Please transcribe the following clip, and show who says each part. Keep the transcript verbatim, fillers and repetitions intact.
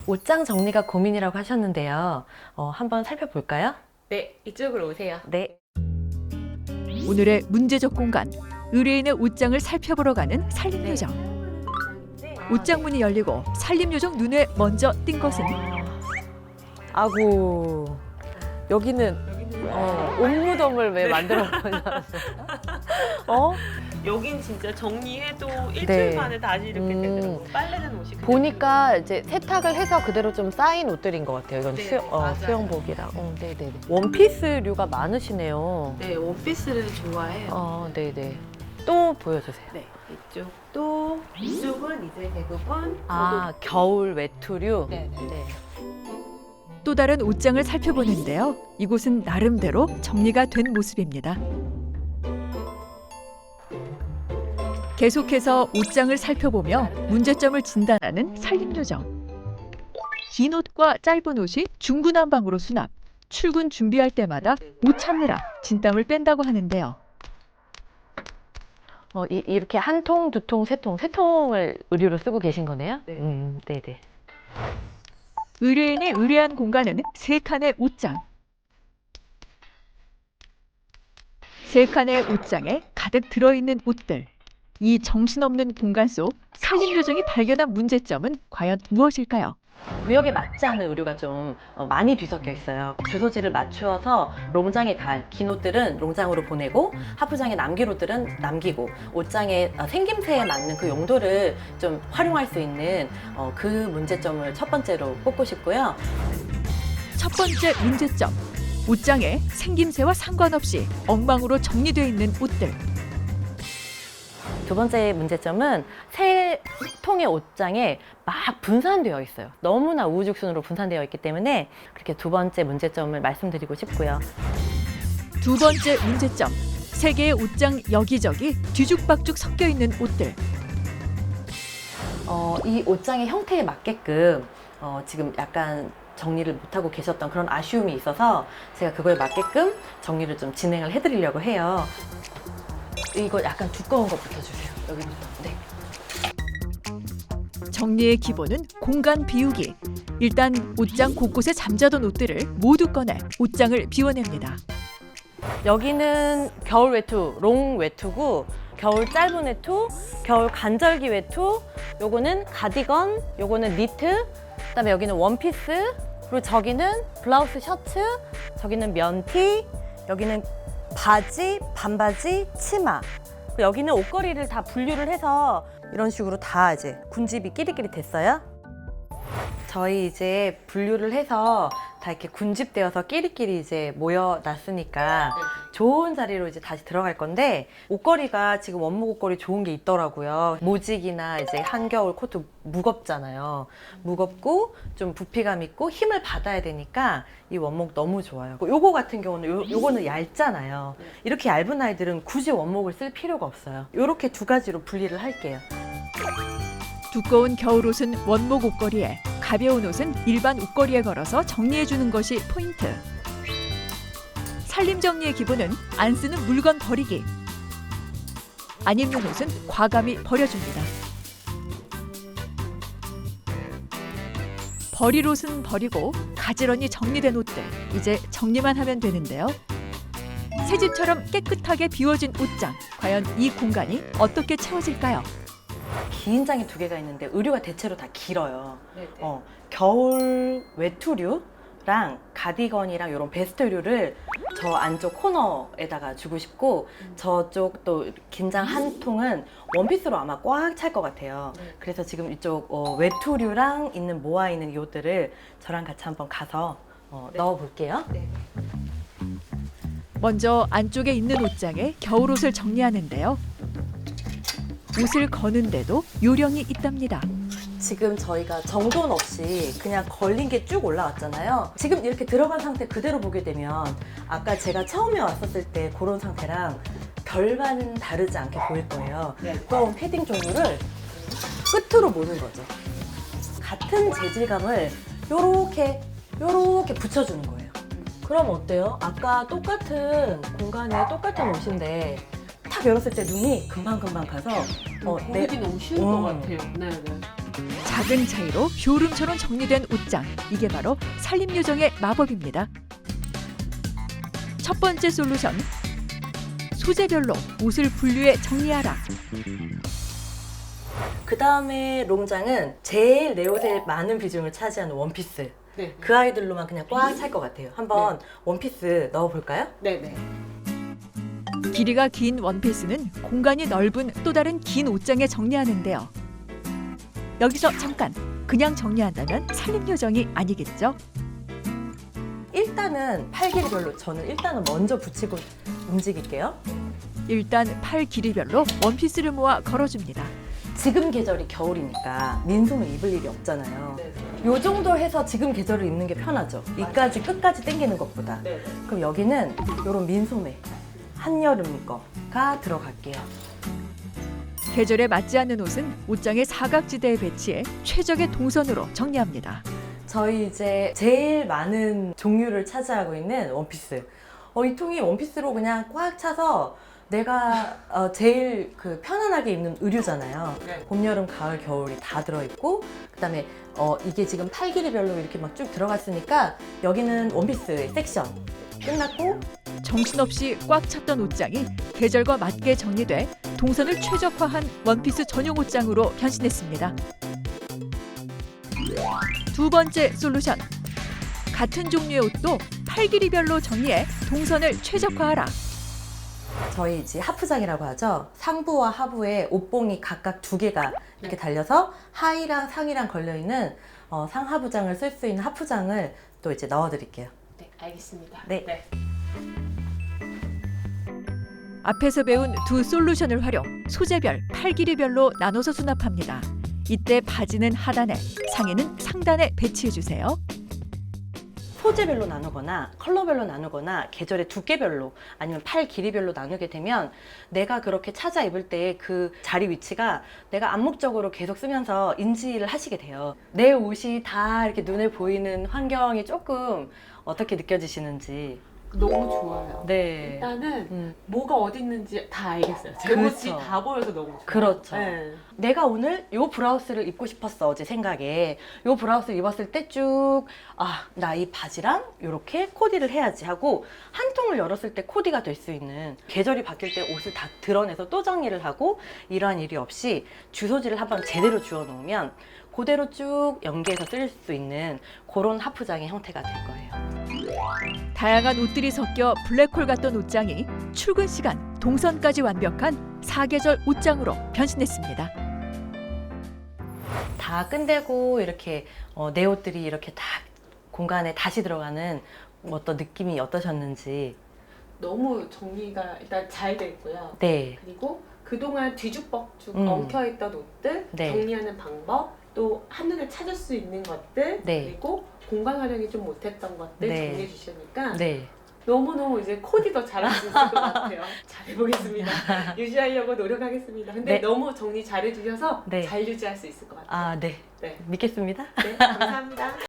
Speaker 1: 옷장 정리가 고민이라고 하셨는데요. 어, 한번 살펴볼까요?
Speaker 2: 네, 이쪽으로 오세요.
Speaker 1: 네.
Speaker 3: 오늘의 문제적 공간, 의뢰인의 옷장을 살펴보러 가는 살림요정. 옷장 문이 열리고 살림요정 눈에 먼저 띈 것은
Speaker 1: 아구. 여기는 어, 옷무덤을 왜 만들어 놓으셨어요? 어?
Speaker 2: 여긴 진짜 정리해도 일주일
Speaker 1: 네.
Speaker 2: 만에 다시 이렇게
Speaker 1: 음.
Speaker 2: 되더라고요. 빨래는 옷이 그냥
Speaker 1: 보니까 이제 세탁을 해서 그대로 좀 쌓인 옷들인 것 같아요. 이건
Speaker 2: 네,
Speaker 1: 수, 어,
Speaker 2: 맞아요.
Speaker 1: 수영복이랑. 어, 네네네. 원피스류가 많으시네요.
Speaker 2: 네, 원피스를 좋아해요.
Speaker 1: 어, 네네. 또 보여주세요.
Speaker 2: 네, 이쪽도 이쪽은 이제 대부분
Speaker 1: 아, 겨울 외투류?
Speaker 2: 네, 네.
Speaker 1: 네.
Speaker 3: 또 다른 옷장을 살펴보는데요. 이곳은 나름대로 정리가 된 모습입니다. 계속해서 옷장을 살펴보며 문제점을 진단하는 살림요정. 긴 옷과 짧은 옷이 중구난방으로 수납. 출근 준비할 때마다 옷 찾느라 진땀을 뺀다고 하는데요.
Speaker 1: 어, 이, 이렇게 한 통, 두 통, 세 통, 세 통을 의류로 쓰고 계신 거네요?
Speaker 2: 네.
Speaker 1: 음, 네네.
Speaker 3: 의뢰인이 의뢰한 공간은 세 칸의 옷장. 세 칸의 옷장에 가득 들어있는 옷들. 이 정신없는 공간 속 살림요정이 발견한 문제점은 과연 무엇일까요?
Speaker 1: 구역에 맞지 않은 의류가 좀 어, 많이 뒤섞여 있어요. 주소지를 맞추어서 롱장에 갈 긴 옷들은 롱장으로 보내고 하프장에 남길 옷들은 남기고 옷장의 어, 생김새에 맞는 그 용도를 좀 활용할 수 있는 어, 그 문제점을 첫 번째로 꼽고 싶고요.
Speaker 3: 첫 번째 문제점. 옷장에 생김새와 상관없이 엉망으로 정리되어 있는 옷들.
Speaker 1: 두 번째 문제점은 세 통의 옷장에 막 분산되어 있어요. 너무나 우후죽순으로 분산되어 있기 때문에 그렇게 두 번째 문제점을 말씀드리고 싶고요.
Speaker 3: 두 번째 문제점. 세 개의 옷장 여기저기 뒤죽박죽 섞여 있는 옷들.
Speaker 1: 어, 이 옷장의 형태에 맞게끔 어, 지금 약간 정리를 못하고 계셨던 그런 아쉬움이 있어서 제가 그거에 맞게끔 정리를 좀 진행을 해드리려고 해요. 이거 약간 두꺼운 거 붙여주세요. 여기부터. 네.
Speaker 3: 정리의 기본은 공간 비우기. 일단 옷장 곳곳에 잠자던 옷들을 모두 꺼내 옷장을 비워냅니다.
Speaker 1: 여기는 겨울 외투, 롱 외투고 겨울 짧은 외투, 겨울 간절기 외투, 요거는 가디건, 요거는 니트, 그다음에 여기는 원피스, 그리고 저기는 블라우스 셔츠, 저기는 면티, 여기는 바지, 반바지, 치마. 여기는 옷걸이를 다 분류를 해서 이런 식으로 다 이제 군집이 끼리끼리 됐어요. 저희 이제 분류를 해서 다 이렇게 군집되어서 끼리끼리 이제 모여놨으니까 좋은 자리로 이제 다시 들어갈 건데 옷걸이가 지금 원목 옷걸이 좋은 게 있더라고요. 모직이나 이제 한겨울 코트 무겁잖아요. 무겁고 좀 부피감 있고 힘을 받아야 되니까 이 원목 너무 좋아요. 요거 같은 경우는 요, 요거는 얇잖아요. 이렇게 얇은 아이들은 굳이 원목을 쓸 필요가 없어요. 요렇게 두 가지로 분리를 할게요.
Speaker 3: 두꺼운 겨울옷은 원목 옷걸이에, 가벼운 옷은 일반 옷걸이에 걸어서 정리해주는 것이 포인트. 살림 정리의 기본은 안 쓰는 물건 버리기. 안 입는 옷은 과감히 버려줍니다. 버릴 옷은 버리고 가지런히 정리된 옷들, 이제 정리만 하면 되는데요. 새 집처럼 깨끗하게 비워진 옷장, 과연 이 공간이 어떻게 채워질까요?
Speaker 1: 긴 장이 두 개가 있는데 의류가 대체로 다 길어요.
Speaker 2: 네, 네.
Speaker 1: 어, 겨울 외투류랑 가디건이랑 이런 베스트류를 저 안쪽 코너에다가 주고 싶고 저쪽 또 긴장 한 통은 원피스로 아마 꽉 찰 것 같아요.
Speaker 2: 네.
Speaker 1: 그래서 지금 이쪽 어, 외투류랑 있는 모아 있는 이 옷들을 저랑 같이 한번 가서 어,
Speaker 2: 네.
Speaker 1: 넣어 볼게요.
Speaker 2: 네.
Speaker 3: 먼저 안쪽에 있는 옷장에 겨울옷을 정리하는데요. 옷을 거는데도 요령이 있답니다.
Speaker 1: 지금 저희가 정돈 없이 그냥 걸린 게 쭉 올라왔잖아요. 지금 이렇게 들어간 상태 그대로 보게 되면 아까 제가 처음에 왔었을 때 그런 상태랑 별반 다르지 않게 보일 거예요.
Speaker 2: 네.
Speaker 1: 두꺼운 패딩 종류를 끝으로 모는 거죠. 같은 재질감을 요렇게 요렇게 붙여주는 거예요. 그럼 어때요? 아까 똑같은 공간에 똑같은 옷인데 탁 열었을 때 눈이 금방금방 가서 어,
Speaker 2: 보기 너무 쉬운
Speaker 1: 어.
Speaker 2: 것 같아요. 네, 네.
Speaker 3: 작은 차이로 효름처럼 정리된 옷장. 이게 바로 살림요정의 마법입니다. 첫 번째 솔루션. 소재별로 옷을 분류해 정리하라.
Speaker 1: 그 다음에 롱장은 제일 내 옷에 많은 비중을 차지하는 원피스.
Speaker 2: 네.
Speaker 1: 그 아이들로만 그냥 꽉 찰 것 같아요. 한번 원피스 넣어볼까요?
Speaker 2: 네네.
Speaker 3: 길이가 긴 원피스는 공간이 넓은 또 다른 긴 옷장에 정리하는데요. 여기서 잠깐, 그냥 정리한다면 살림요정이 아니겠죠?
Speaker 1: 일단은 팔 길이별로 저는 일단은 먼저 붙이고 움직일게요.
Speaker 3: 일단 팔 길이별로 원피스를 모아 걸어줍니다.
Speaker 1: 지금 계절이 겨울이니까 민소매 입을 일이 없잖아요.
Speaker 2: 네.
Speaker 1: 요 정도 해서 지금 계절을 입는 게 편하죠. 이까지 끝까지 당기는 것보다.
Speaker 2: 네.
Speaker 1: 그럼 여기는 요런 민소매 한여름 거가 들어갈게요.
Speaker 3: 계절에 맞지 않는 옷은 옷장의 사각지대에 배치해 최적의 동선으로 정리합니다.
Speaker 1: 저희 이제 제일 많은 종류를 차지하고 있는 원피스. 어, 이 통이 원피스로 그냥 꽉 차서 내가 어, 제일 그 편안하게 입는 의류잖아요.
Speaker 2: 네.
Speaker 1: 봄, 여름, 가을, 겨울이 다 들어있고 그다음에 어, 이게 지금 팔 길이별로 이렇게 막 쭉 들어갔으니까 여기는 원피스 섹션 끝났고
Speaker 3: 정신없이 꽉 찼던 옷장이 계절과 맞게 정리돼 동선을 최적화한 원피스 전용 옷장으로 변신했습니다. 두 번째 솔루션. 같은 종류의 옷도 팔 길이별로 정리해 동선을 최적화하라.
Speaker 1: 저희 이제 하프장이라고 하죠. 상부와 하부에 옷봉이 각각 두 개가 이렇게 달려서 하의랑 상의랑 걸려있는 어, 상하부장을 쓸 수 있는 하프장을 또 이제 넣어드릴게요.
Speaker 2: 네, 알겠습니다.
Speaker 1: 네.
Speaker 3: 앞에서 배운 두 솔루션을 활용, 소재별, 팔 길이별로 나눠서 수납합니다. 이때 바지는 하단에, 상의는 상단에 배치해주세요.
Speaker 1: 소재별로 나누거나 컬러별로 나누거나 계절의 두께별로 아니면 팔 길이별로 나누게 되면 내가 그렇게 찾아 입을 때 그 자리 위치가 내가 암묵적으로 계속 쓰면서 인지를 하시게 돼요. 내 옷이 다 이렇게 눈에 보이는 환경이 조금 어떻게 느껴지시는지.
Speaker 2: 너무 좋아요.
Speaker 1: 네.
Speaker 2: 일단은
Speaker 1: 음,
Speaker 2: 뭐가 어디 있는지 다 알겠어요. 제
Speaker 1: 그렇죠.
Speaker 2: 옷이 다 보여서 너무 좋아요.
Speaker 1: 그렇죠.
Speaker 2: 네.
Speaker 1: 내가 오늘 이 브라우스를 입고 싶었어. 어제 생각에 이 브라우스를 입었을 때 쭉 아, 나 이 바지랑 이렇게 코디를 해야지 하고 한 통을 열었을 때 코디가 될 수 있는, 계절이 바뀔 때 옷을 다 드러내서 또 정리를 하고 이러한 일이 없이 주소지를 한번 제대로 주워 놓으면 그대로 쭉 연계해서 쓸 수 있는 그런 하프장의 형태가 될 거예요.
Speaker 3: 다양한 옷들이 섞여 블랙홀 같던 옷장이 출근 시간, 동선까지 완벽한 사계절 옷장으로 변신했습니다.
Speaker 1: 다 끝내고 이렇게 어, 내 옷들이 이렇게 다 공간에 다시 들어가는 어떤 느낌이 어떠셨는지.
Speaker 2: 너무 정리가 일단 잘 돼 있고요.
Speaker 1: 네.
Speaker 2: 그리고 그동안 뒤죽박죽
Speaker 1: 음.
Speaker 2: 엉켜있던 옷들
Speaker 1: 네.
Speaker 2: 정리하는 방법, 또 한눈에 찾을 수 있는 것들,
Speaker 1: 네.
Speaker 2: 그리고 공간 활용이 좀 못했던 것들
Speaker 1: 네.
Speaker 2: 정리해 주시니까
Speaker 1: 네.
Speaker 2: 너무너무 이제 코디 더 잘할 수 있을 것 같아요. 잘해보겠습니다. 유지하려고 노력하겠습니다. 근데
Speaker 1: 네.
Speaker 2: 너무 정리 잘해주셔서
Speaker 1: 네.
Speaker 2: 잘 유지할 수 있을 것 같아요.
Speaker 1: 아, 네.
Speaker 2: 네.
Speaker 1: 믿겠습니다.
Speaker 2: 네, 감사합니다.